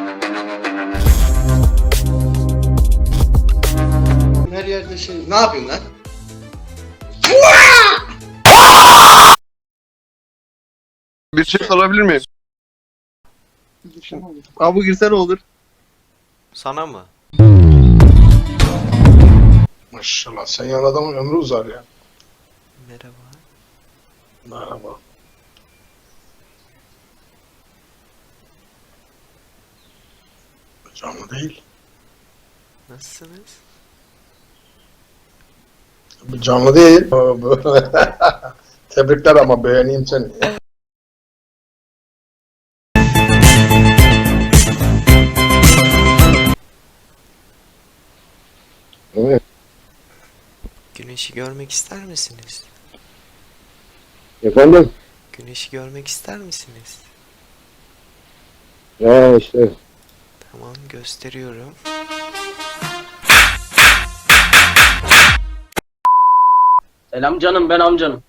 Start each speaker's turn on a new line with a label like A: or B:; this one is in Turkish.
A: Her yerde şey... Ne yapıyorsun lan?
B: Bir şey sorabilir miyim? Abi bu girse ne olur?
C: Sana mı?
D: Maşallah sen yan adamın ömrü uzar ya.
C: Merhaba.
D: Merhaba. Canlı değil.
C: Nasılsınız?
D: Bu canlı değil. Tebrikler ama beğeneyim seni. Evet.
C: Güneşi görmek ister misiniz?
D: Efendim?
C: Güneşi görmek ister misiniz?
D: Ya işte.
C: Tamam, gösteriyorum.
E: Selam canım, ben amcanım.